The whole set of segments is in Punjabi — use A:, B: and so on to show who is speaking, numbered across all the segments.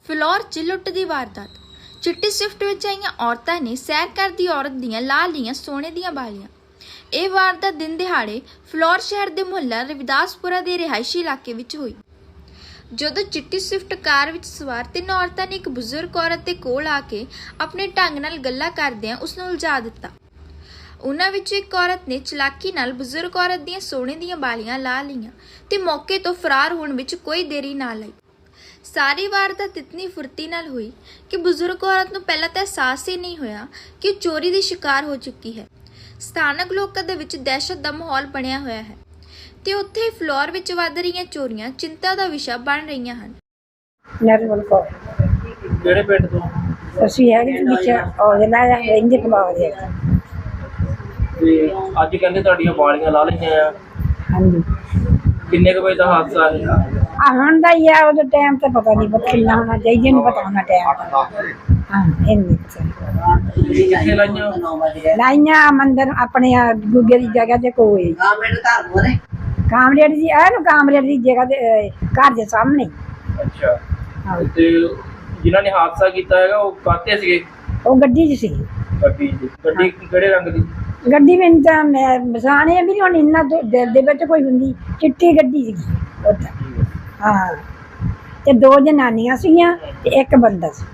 A: ਫਿਲੌਰ 'ਚ ਲੁੱਟ ਦੀ ਵਾਰਦਾਤ। ਚਿੱਟੀ ਸਵਿਫਟ ਵਿੱਚ ਆਈਆਂ ਔਰਤਾਂ ਨੇ ਸੈਰ ਕਰਦੀ ਔਰਤ ਦੀਆਂ ਲਾ ਲਈਆਂ ਸੋਨੇ ਦੀਆਂ ਬਾਲੀਆਂ। ਇਹ ਵਾਰਦਾਤ ਦਿਨ ਦਿਹਾੜੇ ਫਿਲੌਰ ਸ਼ਹਿਰ ਦੇ ਮੁਹੱਲਾ ਰਵਿਦਾਸਪੁਰਾ ਦੇ ਰਿਹਾਇਸ਼ੀ ਇਲਾਕੇ ਵਿੱਚ ਹੋਈ। ਜਦੋਂ ਚਿੱਟੀ ਸਵਿਫਟ ਕਾਰ ਵਿੱਚ ਸਵਾਰ 3 ਔਰਤਾਂ ਨੇ ਇੱਕ ਬਜ਼ੁਰਗ ਔਰਤ ਦੇ ਕੋਲ ਆ ਕੇ ਆਪਣੇ ਢੰਗ ਨਾਲ ਗੱਲਾਂ ਕਰਦਿਆਂ ਉਸ ਨੂੰ ਉਲਝਾ ਦਿੱਤਾ। ਉਹਨਾਂ ਵਿੱਚੋਂ ਇੱਕ ਔਰਤ ਨੇ ਚਲਾਕੀ ਨਾਲ ਬਜ਼ੁਰਗ ਔਰਤ ਦੀਆਂ ਸੋਨੇ ਦੀਆਂ ਬਾਲੀਆਂ ਲਾ ਲਈਆਂ ਤੇ ਮੌਕੇ ਤੋਂ ਫਰਾਰ ਹੋਣ ਵਿੱਚ ਕੋਈ ਦੇਰੀ ਨਾ ਲਈ। ਸਾਰੀ ਵਾਰਦਾਤ ਇਤਨੀ ਫੁਰਤੀ ਨਾਲ ਹੋਈ ਕਿ ਬਜ਼ੁਰਗ ਔਰਤ ਨੂੰ ਪਹਿਲਾਂ ਤਾਂ ਅਹਿਸਾਸ ਹੀ ਨਹੀਂ ਹੋਇਆ ਕਿ ਉਹ ਚੋਰੀ ਦੀ ਸ਼ਿਕਾਰ ਹੋ ਚੁੱਕੀ ਹੈ। ਸਥਾਨਕ ਲੋਕਾਂ ਦੇ ਵਿੱਚ ਦਹਿਸ਼ਤ ਦਾ ਮਾਹੌਲ ਬਣਿਆ ਹੋਇਆ ਹੈ ਤੇ ਉੱਥੇ ਹੀ ਫਲੋਰ ਵਿੱਚ ਵੱਧ ਰਹੀਆਂ ਚੋਰੀਆਂ ਚਿੰਤਾ ਦਾ ਵਿਸ਼ਾ ਬਣ ਰਹੀਆਂ ਹਨ।
B: ਨਰਮਲ ਕੌਰ
C: ਕਿਹੜੇ ਪਿੰਡ ਤੋਂ?
B: ਅਸੀਂ ਹੈਗੇ ਜੀ ਵਿੱਚ ਔਜਲਾ ਰਹਿੰਦੇ ਫਲੋਰ ਦੇ।
C: ਤੇ ਅੱਜ ਕਹਿੰਦੇ ਤੁਹਾਡੀਆਂ ਬਾਲੀਆਂ ਲਾ ਲਈਆਂ ਆ,
B: ਹਾਂਜੀ
C: ਕਿੰਨੇ ਕੁ ਵਜੇ ਦਾ ਹਾਦਸਾ ਹੈ?
B: ਆ ਹੁਣ ਦਾ ਹੀ ਆ, ਉਹਦਾ ਟਾਈਮ ਤਾਂ ਪਤਾ ਨਹੀਂ ਕਿੰਨਾ ਹੋਣਾ ਚਾਹੀਦਾ, ਨਹੀਂ ਪਤਾ ਹੋਣਾ ਟਾਈਮ। ਹਾਂ ਇੰਨੇ
C: ਕਿੱਥੇ ਲਾਈਆਂ?
B: ਲਾਈਆਂ ਮੰਦਰ ਆਪਣੇ ਗੁੱਗੇ ਦੀ ਜਗ੍ਹਾ ਤੇ ਕੋਈ ਕਾਮਰੇਡ ਦੀ ਨੂੰ ਕਾਮਰੇਡ ਦੀ ਜਗ੍ਹਾ ਤੇ ਘਰ ਦੇ ਸਾਹਮਣੇ।
C: ਅੱਛਾ,
B: ਹਾਂ
C: ਤੇ ਜਿਨ੍ਹਾਂ ਨੇ ਹਾਦਸਾ ਕੀਤਾ ਹੈਗਾ ਉਹ ਕਾਹਤੇ ਸੀਗੇ?
B: ਉਹ ਗੱਡੀ 'ਚ ਸੀ।
C: ਗੱਡੀ ਕਿਹੜੇ ਰੰਗ ਦੀ?
B: ਗੱਡੀ ਮੈਨੂੰ ਤਾਂ ਮੈਂ ਬਸਾਣੇ ਵੀ ਹੁਣ ਇੰਨਾ ਦਿਲ ਦੇ ਵਿੱਚ ਕੋਈ ਹੁੰਦੀ, ਚਿੱਟੀ ਗੱਡੀ ਸੀਗੀ ਉੱਦਾਂ। ਹਾਂ ਤੇ 2 ਜਨਾਨੀਆਂ ਸੀਗੀਆਂ ਤੇ ਇੱਕ ਬੰਦਾ ਸੀ।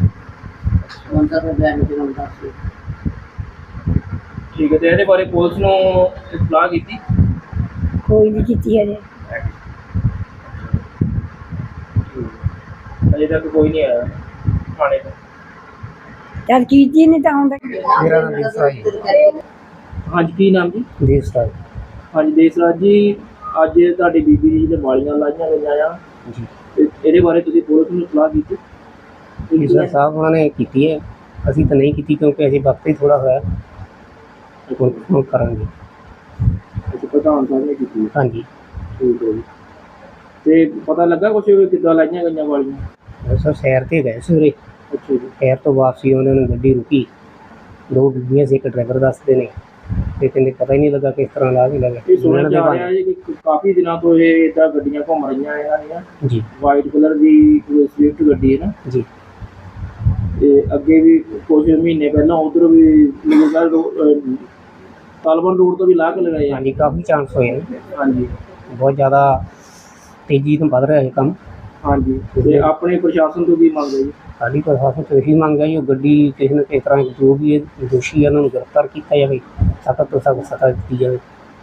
C: ਠੀਕ ਹੈ, ਤੇ ਇਹਦੇ ਬਾਰੇ ਪੁਲਿਸ ਨੂੰ ਇਤਲਾਹ ਕੀਤੀ?
B: ਕੋਈ ਨਹੀਂ ਕੀਤੀ ਹਜੇ।
C: ਅਜੇ ਤੱਕ ਕੋਈ ਨਹੀਂ ਆਇਆ ਥਾਣੇ ਤੋਂ।
B: ਚੱਲ ਕੀਤੀ ਨਹੀਂ ਤਾਂ ਆਉਂਦਾ।
D: ਮੇਰਾ ਨਾਮ ਦੇਸਰਾਜ
C: ਹਾਂਜੀ, ਕੀ ਨਾਮ ਜੀ?
D: ਦੇਸਰਾਜ
C: ਹਾਂਜੀ ਦੇਸਰਾਜ ਜੀ, ਅੱਜ ਤੁਹਾਡੀ ਬੀਬੀ ਜੀ ਦੇ ਬਾਲੀਆਂ ਲਾਈਆਂ ਗਈਆਂ ਆ
D: ਜੀ।
C: ਤੇ ਇਹਦੇ ਬਾਰੇ ਤੁਸੀਂ ਪੁਲਿਸ ਨੂੰ ਇਤਲਾਹ ਕੀਤੀ?
D: ਸਰ ਸਾਹਿਬ ਉਹਨਾਂ ਨੇ ਕੀਤੀ ਹੈ, ਅਸੀਂ ਤਾਂ ਨਹੀਂ ਕੀਤੀ ਕਿਉਂਕਿ ਅਸੀਂ ਵਕਤ ਹੀ ਥੋੜਾ ਹੋਇਆ। ਹੁਣ ਕਰਾਂਗੇ।
C: ਅੱਛਾ, ਪ੍ਰਧਾਨ ਸਾਹਿਬ ਨੇ ਕੀਤੀ?
D: ਹਾਂਜੀ
C: ਠੀਕ ਹੈ ਜੀ। ਤੇ ਪਤਾ ਲੱਗਾ ਕੁਛ ਕਿੱਦਾਂ ਲਾਈਆਂ ਗਈਆਂ ਬਾਲੀਆਂ?
D: ਸਰ ਸੈਰ 'ਤੇ ਗਏ ਸਵੇਰੇ,
C: ਅੱਛਾ ਜੀ।
D: ਸੈਰ ਤੋਂ ਵਾਪਸੀ ਉਹਨਾਂ ਨੂੰ ਗੱਡੀ ਰੁਕੀ, 2 ਬੀਬੀਆਂ ਸੀ, ਇੱਕ ਡਰਾਈਵਰ ਦੱਸਦੇ ਨੇ, ਤੇ ਕਹਿੰਦੇ ਪਤਾ ਹੀ ਨਹੀਂ ਲੱਗਾ ਕਿਸ ਤਰ੍ਹਾਂ ਲਾ ਵੀ ਲੱਗਾ।
C: ਇਹ ਸੁਣਿਆ ਜਾ ਰਿਹਾ ਹੈ ਕਿ ਕਾਫੀ ਦਿਨਾਂ ਤੋਂ ਇਹ ਇੱਦਾਂ ਗੱਡੀਆਂ ਘੁੰਮ ਰਹੀਆਂ ਇਹਨਾਂ ਦੀਆਂ
D: ਜੀ।
C: ਵਾਈਟ ਕਲਰ ਦੀ ਸਵਿਫਟ ਗੱਡੀ ਹੈ ਨਾ
D: ਜੀ।
C: ਤੇ ਅੱਗੇ ਵੀ ਕੁਝ ਮਹੀਨੇ ਪਹਿਲਾਂ ਉਧਰ ਵੀ ਤਾਲਬਨ ਰੋਡ ਤੋਂ ਵੀ ਲਾਹ ਕੇ ਲਗਾਏ ਆ।
D: ਹਾਂਜੀ ਕਾਫੀ ਚਾਂਸ ਹੋਏ ਨੇ।
C: ਹਾਂਜੀ
D: ਬਹੁਤ ਜ਼ਿਆਦਾ ਤੇਜ਼ੀ ਨਾਲ ਵੱਧ ਰਿਹਾ ਇਹ ਕੰਮ।
C: ਹਾਂਜੀ, ਤੇ ਆਪਣੇ ਪ੍ਰਸ਼ਾਸਨ ਤੋਂ ਕੀ ਮੰਗ ਹੈ ਜੀ?
D: ਸਾਡੀ ਪ੍ਰਸ਼ਾਸਨ ਤੋਂ ਇਹੀ ਮੰਗ ਹੈ ਜੀ, ਉਹ ਗੱਡੀ ਕਿਸੇ ਨਾ ਕਿਸੇ ਤਰ੍ਹਾਂ ਜੋ ਵੀ ਇਹ ਦੋਸ਼ੀ ਹੈ ਉਹਨਾਂ ਨੂੰ ਗ੍ਰਿਫਤਾਰ ਕੀਤਾ ਜਾਵੇ, ਸਖਤ ਤੋਂ ਸਖਤ ਸਜ਼ਾ ਦਿੱਤੀ ਜਾਵੇ।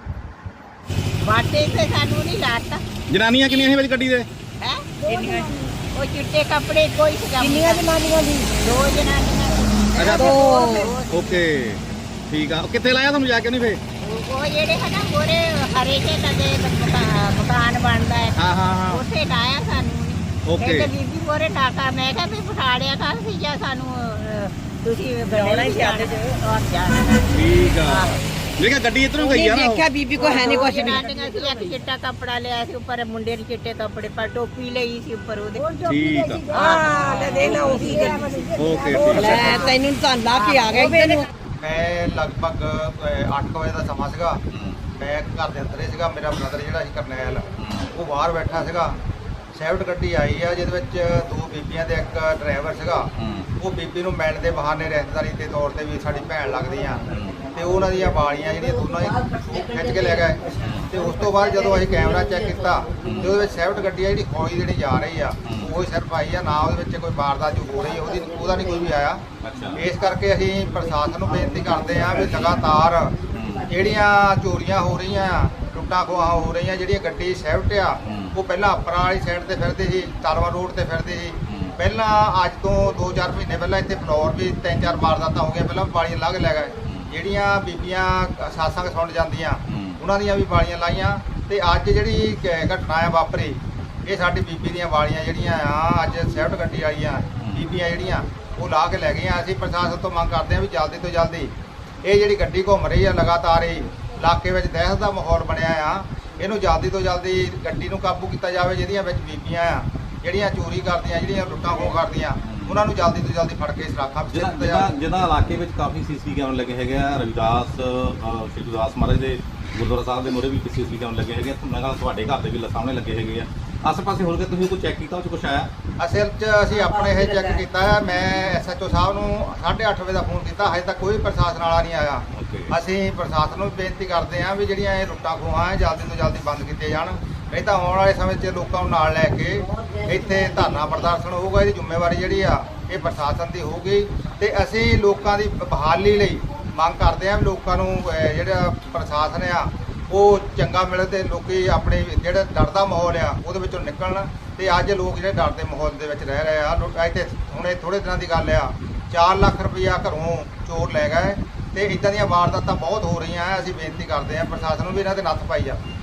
E: ਬਾਟੇ ਤੇ ਸਾਨੂੰ ਨਹੀਂ ਲਾਤਾ।
F: ਜਨਾਨੀਆਂ ਕਿੰਨੀਆਂ ਸੀ ਵਿੱਚ ਗੱਡੀ ਦੇ?
E: ਹੈ ਕਿੰਨੀਆਂ? ਉਹ ਚਿੱਟੇ ਕੱਪੜੇ ਕੋਈ ਸੀਗਾ। ਕਿੰਨੀਆਂ ਜਨਾਨੀਆਂ ਦੀ? 2 ਜਨਾਨੀਆਂ।
F: ਅੱਛਾ, ਓਕੇ ਠੀਕ ਆ। ਕਿੱਥੇ ਲਾਇਆ ਤੁਹਾਨੂੰ ਜਾ ਕੇ? ਨਹੀਂ ਫੇ
E: ਉਹ ਜਿਹੜੇ ਹੈ ਨਾ ਗੋਰੇ ਹਰੇ ਕੇ ਲਗੇ ਮਕਾਨ ਬਣਦਾ ਹੈ।
F: ਹਾਂ ਹਾਂ ਹਾਂ,
E: ਉੱਥੇ ਲਾਇਆ ਸਾਨੂੰ।
F: ਓਕੇ।
E: ਕਹਿੰਦੇ ਬੀਬੀ ਗੋਰੇ ਟਾਕਾ। ਮੈਂ ਕਿਹਾ ਵੀ ਪਠਾੜਿਆ ਕਰ ਸੀ ਜਾਂ ਸਾਨੂੰ ਤੁਸੀਂ ਬਣਾਉਣਾ ਹੀ ਚਾਹਦੇ ਜਾਣਾ।
F: ਠੀਕ ਆ। ਦੇਖਿਆ ਗੱਡੀ ਇੱਧਰੋਂ ਗਈ ਆ ਨਾ।
E: ਦੇਖਿਆ ਬੀਬੀ ਕੋ ਹੈ ਨਹੀਂ ਕੁਛ ਵੀ। ਇੱਕ ਚਿੱਟਾ ਕੱਪੜਾ ਲਿਆ ਸੀ ਉੱਪਰ, ਮੁੰਡੇ ਨੇ ਚਿੱਟੇ ਕੱਪੜੇ ਪਰ ਟੋਪੀ ਲਈ ਸੀ ਉੱਪਰ ਉਹਦੇ।
F: ਠੀਕ ਆ,
E: ਹਾਂ ਲੈ ਦੇਖ ਲਾ ਉਹੀ
F: ਓਕੇ ਠੀਕ ਆ।
E: ਤੈਨੂੰ ਤਾਂ ਲਾ ਕੇ ਆ ਗਿਆ ਇੱਧਰ ਨੂੰ।
G: ਮੈਂ ਲਗਭਗ 8 ਵਜੇ ਦਾ ਸਮਾਂ ਸੀਗਾ। ਮੈਂ ਘਰ ਦੇ ਅੰਦਰ ਹੀ ਸੀਗਾ। ਮੇਰਾ ਬ੍ਰਦਰ ਜਿਹੜਾ ਸੀ ਕਰਨੈਲ, ਉਹ ਬਾਹਰ ਬੈਠਾ ਸੀਗਾ। ਸਵਿਫਟ ਗੱਡੀ ਆਈ ਆ ਜਿਹਦੇ ਵਿੱਚ 2 ਬੀਬੀਆਂ ਤੇ ਇੱਕ ਡਰਾਈਵਰ ਸੀਗਾ। ਉਹ ਬੀਬੀ ਨੂੰ ਮਿਲਣ ਦੇ ਬਹਾਨੇ ਰਿਸ਼ਤੇਦਾਰੀ ਦੇ ਤੌਰ ਤੇ ਵੀ ਸਾਡੀ ਭੈਣ ਲੱਗਦੀ ਆ, ਤੇ ਉਹਨਾਂ ਦੀਆਂ ਬਾਲੀਆਂ ਜਿਹੜੀਆਂ ਦੋਨਾਂ ਹੀ ਖਿੱਚ ਕੇ ਲੈ ਗਏ। ਤੇ ਉਸ ਤੋਂ ਬਾਅਦ ਜਦੋਂ ਅਸੀਂ ਕੈਮਰਾ ਚੈੱਕ ਕੀਤਾ ਤੇ ਉਹਦੇ ਵਿੱਚ ਸਵਿਫਟ ਗੱਡੀ ਆ ਜਿਹੜੀ ਖੋਈ ਦੇਣੀ ਜਾ ਰਹੀ ਆ, ਉਹ ਸਿਰਫ ਆਈ ਆ, ਨਾ ਉਹਦੇ ਵਿੱਚ ਕੋਈ ਵਾਰਦਾਤ ਜੋ ਹੋ ਰਹੀ ਹੈ ਉਹਦਾ ਨਹੀਂ ਕੋਈ ਵੀ ਆਇਆ। ਇਸ ਕਰਕੇ ਅਸੀਂ ਪ੍ਰਸ਼ਾਸਨ ਨੂੰ ਬੇਨਤੀ ਕਰਦੇ ਹਾਂ ਵੀ ਲਗਾਤਾਰ ਜਿਹੜੀਆਂ ਚੋਰੀਆਂ ਹੋ ਰਹੀਆਂ, ਲੁੱਟਾਂ ਖੋਹਾਂ ਹੋ ਰਹੀਆਂ, ਜਿਹੜੀਆਂ ਗੱਡੀ ਸਵਿਫਟ ਆ ਉਹ ਪਹਿਲਾਂ ਅਪਰਾ ਵਾਲੀ ਸਾਈਡ ਤੇ ਫਿਰਦੀ ਸੀ, ਤਾਲਵਾ ਰੋਡ ਤੇ ਫਿਰਦੀ ਸੀ। ਪਹਿਲਾਂ ਅੱਜ ਤੋਂ 2-4 ਮਹੀਨੇ ਪਹਿਲਾਂ ਇੱਥੇ ਫਲੋਰ ਵੀ 3-4 ਵਾਰਦਾਤਾਂ ਹੋ ਗਈਆਂ। ਪਹਿਲਾਂ ਬਾਲੀਆਂ ਲਾ ਕੇ ਲੈ ਗਏ। ਜਿਹੜੀਆਂ ਬੀਬੀਆਂ ਸਾਸਾਂ ਸੁਣ ਜਾਂਦੀਆਂ ਉਹਨਾਂ ਦੀਆਂ ਵੀ ਬਾਲੀਆਂ ਲਾਈਆਂ। ਤੇ ਅੱਜ ਜਿਹੜੀ ਘਟਨਾ ਆ ਵਾਪਰੀ, ਇਹ ਸਾਡੀ ਬੀਬੀ ਦੀਆਂ ਬਾਲੀਆਂ ਜਿਹੜੀਆਂ ਆ ਅੱਜ ਸਵਿਫਟ ਗੱਡੀ ਵਾਲੀਆਂ ਬੀਬੀਆਂ ਜਿਹੜੀਆਂ ਉਹ ਲਾ ਕੇ ਲੈ ਗਈਆਂ। ਅਸੀਂ ਪ੍ਰਸ਼ਾਸਨ ਤੋਂ ਮੰਗ ਕਰਦੇ ਹਾਂ ਵੀ ਜਲਦੀ ਤੋਂ ਜਲਦੀ ਇਹ ਜਿਹੜੀ ਗੱਡੀ ਘੁੰਮ ਰਹੀ ਆ ਲਗਾਤਾਰ ਹੀ ਇਲਾਕੇ ਵਿੱਚ ਦਹਿਸ਼ਤ ਦਾ ਮਾਹੌਲ ਬਣਿਆ ਆ, ਇਹਨੂੰ ਜਲਦੀ ਤੋਂ ਜਲਦੀ ਗੱਡੀ ਨੂੰ ਕਾਬੂ ਕੀਤਾ ਜਾਵੇ। ਜਿਹਦੀਆਂ ਵਿੱਚ ਬੀਬੀਆਂ ਆ ਜਿਹੜੀਆਂ ਚੋਰੀ ਕਰਦੀਆਂ, ਜਿਹੜੀਆਂ ਲੁੱਟਾਂ ਖੋਹ ਕਰਦੀਆਂ, ਉਹਨਾਂ ਨੂੰ ਜਲਦੀ ਤੋਂ ਜਲਦੀ ਫੜ ਕੇ ਸਰਾਖਾਂ ਵਿੱਚ
F: ਜਿਹਦਾ ਇਲਾਕੇ ਵਿੱਚ ਕਾਫੀ ਸੀਸੀ ਕੈਮਰੇ ਲੱਗੇ ਹੈਗੇ ਆ। ਰਵਿਦਾਸ ਸ਼੍ਰੀ ਗੁਰਦਾਸ ਮਹਾਰਾਜ ਦੇ ਗੁਰਦੁਆਰਾ ਸਾਹਿਬ ਦੇ ਮੂਹਰੇ ਵੀ ਸੀਸੀਟੀਵੀ ਕੈਮਰੇ ਲੱਗੇ ਹੈਗੇ ਆ, ਮੈਂ ਕਿਹਾ ਤੁਹਾਡੇ ਘਰ ਦੇ ਵੀ ਸਾਹਮਣੇ ਲੱਗੇ ਹੈਗੇ ਆ। ਆਸੇ ਪਾਸੇ ਹੋਰ ਕੇ ਤੁਸੀਂ ਕੋਈ ਚੈੱਕ ਕੀਤਾ ਉਹ 'ਚ ਕੁਛ ਆਇਆ?
G: ਅਸਲ 'ਚ ਅਸੀਂ ਆਪਣੇ ਇਹ ਚੈੱਕ ਕੀਤਾ ਹੈ। ਮੈਂ ਐਸਐਚਓ ਸਾਹਿਬ ਨੂੰ 8:30 ਵਜੇ ਦਾ ਫੋਨ ਕੀਤਾ, ਹਜੇ ਤੱਕ ਕੋਈ ਪ੍ਰਸ਼ਾਸਨ ਵਾਲਾ ਨਹੀਂ ਆਇਆ।
F: ਓਕੇ।
G: ਅਸੀਂ ਪ੍ਰਸ਼ਾਸਨ ਨੂੰ ਬੇਨਤੀ ਕਰਦੇ ਹਾਂ ਵੀ ਜਿਹੜੀਆਂ ਇਹ ਲੁੱਟਾਂ ਖੋਹਾਂ ਹੈ ਜਲਦੀ ਤੋਂ ਜਲਦੀ ਬੰਦ ਕੀਤੀਆਂ ਜਾਣ, ਨਹੀਂ ਤਾਂ ਆਉਣ ਵਾਲੇ ਸਮੇਂ 'ਚ ਲੋਕਾਂ ਨੂੰ ਨਾਲ ਲੈ ਕੇ ਇੱਥੇ ਧਰਨਾ ਪ੍ਰਦਰਸ਼ਨ ਹੋਊਗਾ। ਇਹਦੀ ਜ਼ਿੰਮੇਵਾਰੀ ਜਿਹੜੀ ਆ ਇਹ ਪ੍ਰਸ਼ਾਸਨ ਦੀ ਹੋਊਗੀ ਤੇ ਅਸੀਂ ਲੋਕਾਂ ਦੀ ਬਹਾਲੀ ਲਈ ਮੰਗ ਕਰਦੇ ਹਾਂ ਵੀ ਲੋਕਾਂ ਨੂੰ ਜਿਹੜਾ ਪ੍ਰਸ਼ਾਸਨ ਆ ਉਹ ਚੰਗਾ ਮਿਲੇ ਤੇ ਲੋਕੀ ਆਪਣੇ ਜਿਹੜਾ ਡਰ ਦਾ ਮਾਹੌਲ ਆ ਉਹਦੇ ਵਿੱਚੋਂ ਨਿਕਲਣ। ਤੇ ਅੱਜ ਲੋਕ ਜਿਹੜੇ ਡਰ ਦੇ ਮਾਹੌਲ ਦੇ ਵਿੱਚ ਰਹਿ ਰਹੇ ਆ। ਇੱਥੇ ਹੁਣੇ ਥੋੜੇ ਦਿਨਾਂ ਦੀ ਗੱਲ ਆ 4 ਲੱਖ ਰੁਪਈਆ ਘਰੋਂ ਚੋਰ ਲੈ ਗਏ ਤੇ ਇਦਾਂ ਦੀਆਂ ਵਾਰਦਾਤਾਂ ਬਹੁਤ ਹੋ ਰਹੀਆਂ। ਅਸੀਂ ਬੇਨਤੀ ਕਰਦੇ ਹਾਂ ਪ੍ਰਸ਼ਾਸਨ ਨੂੰ ਵੀ ਇਹਨਾਂ ਤੇ ਨੱਥ ਪਾਈ ਜਾਵੇ।